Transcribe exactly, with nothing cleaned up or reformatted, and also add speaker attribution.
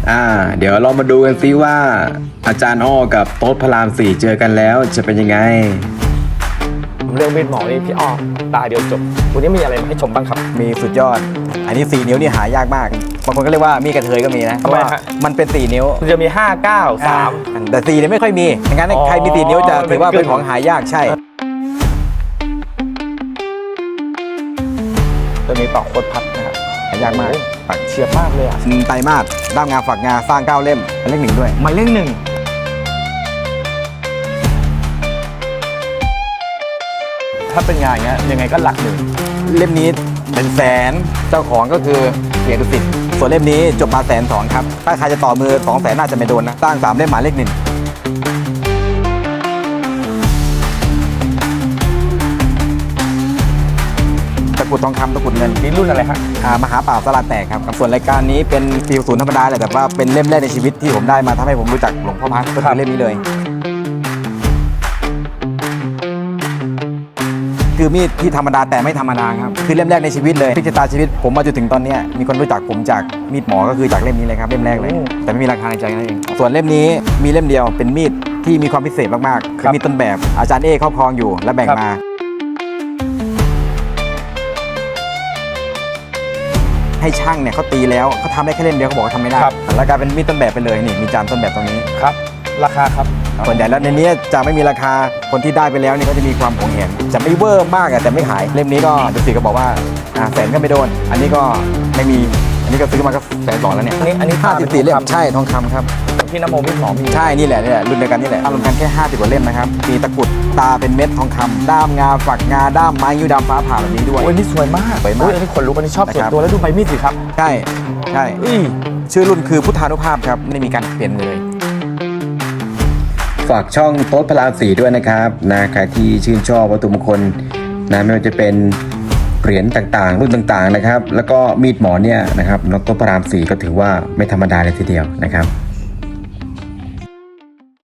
Speaker 1: อ่าเดี๋ยวเรามาดูกันซิว่าอาจารย์อ้อกับโต๊ดพระรามสี่เจอกันแล้วจะเป็นยังไง
Speaker 2: เรื่องมีดหมอนี่พี่อ้อตาเดียวจบวันนี้มีอะไรมาให้ชมบ้างครับ
Speaker 3: มีสุดยอดอันนี้สี่นิ้วนี่หายากมากบางคนก็เรียกว่ามีกระเทยก็มีนะเพราะว่ามันเป็นสี่นิ้ว
Speaker 2: มันจะมีห้า เก้า สาม
Speaker 3: แต่สี่เนี่ยไม่ค่อยมีงั้นใครมีสี่นิ้วจะถือว่าเป็นของหายากใช่
Speaker 2: ตัวนี้ต่อโคตรพัดนะครับ
Speaker 3: หายากมาก
Speaker 2: ปักเฉียบมากเลยอ่ะ
Speaker 3: ไตรมาสด้ามงาฝักงาสร้างเก้าเล่มมันเลขหนึ่งด้วย
Speaker 2: มันเลขหนึ่งถ้าเป็นงานเงี้ยยังไงก็หลักหนึ่ง
Speaker 3: เล่มนี้เป็นแสนเจ้าของก็คือเกียรติสิทธิ์ส่วนเล่มนี้จบมาแสนสองครับถ้าใครจะต่อมือสองแสนน่าจะไม่โดนนะสร้างสามเล่มหมายเลขหนึ่งตะกุดทองคำตะกุดเงิน
Speaker 2: นี่รุ่นอะไรครับ
Speaker 3: อ่ามหาป่าสลาแตกครับส่วนรายการนี้เป็นฟิลศูนย์ธรรมดาแหละแต่ว่าเป็นเล่มแรกในชีวิตที่ผมได้มาทำให้ผมรู้จักหลวงพ่อพัดก็คือเล่มนี้เลยคือมีดที่ธรรมดาแต่ไม่ธรรมดาครับคือเล่มแรกในชีวิตเลยพิจารณาชีวิตผมมาจนถึงตอนนี้มีคนรู้จักผมจากมีดหมอก็คือจากเล่มนี้เลยครับเล่มแรกเลยแต่ไม่มีราคาในใจนั่นเองส่วนเล่มนี้มีเล่มเดียวเป็นมีดที่มีความพิเศษมากๆคือมีดต้นแบบอาจารย์เอครอบครองอยู่และแบ่งมาให้ช่างเนี่ยเขาตีแล้วเขาทำได้แค่เล่มเดียวเขาบอกว่าทำไม่ได้แล้วกลายเป็นมีดต้นแบบไปเลยนี่มีจานต้นแบบตรงนี้
Speaker 2: ครับราคาครับ
Speaker 3: ส่วนใหญ่แล้วในนี้จะไม่มีราคาคนที่ได้ไปแล้วนี่ก็จะมีความหวงแหนจะไม่เวอร์มากแต่ไม่ขายเล่มนี้ก็ดุสิตก็บอกว่าแสนก็ไม่โดนอันนี้ก็ไม่มีอันนี้ก็ซื้อมาก็แสนสองแล้วเนี่ย
Speaker 2: อันนี้อันนี้
Speaker 3: ห้าสิบสี่เล่มใช่ทองคำครับ
Speaker 2: พี่นโมมีดหมอมี
Speaker 3: ใช่นี่แหละนี่แหละรุ่นเดียวกันนี่แหละรวมกันแค่ห้าสิบกว่าเล่มนะครับมีตะกุดตาเป็นเม็ดทองคำด้ามงาฝักงาด้ามไม้ยิ้วดำฟ้าผ่าแบบนี้ด้วย
Speaker 2: โอ้ยนี่สวยมาก
Speaker 3: สวยมาก
Speaker 2: อันนี้ขนลุกอันนี้ชอบส่วนตัวแล้วดูใบมีดสิครับ
Speaker 3: ใช่ใช่ชื่อรุ่นคือพุทธานุภาพครับไม่มีการเปลี่ยนเลย
Speaker 1: ฝากช่องโต๊ดพระรามสี่ด้วยนะครับนะใครที่ชื่นชอบวัตถุมงคลนะไม่ว่าจะเป็นเหรียญต่างๆรุ่นต่างๆนะครับแล้วก็มีดหมอเนี่ยนะครับโต๊ดพระรามสี่ก็ถือว่าไม่ธรรมดาเลยทีเดียวนะครับ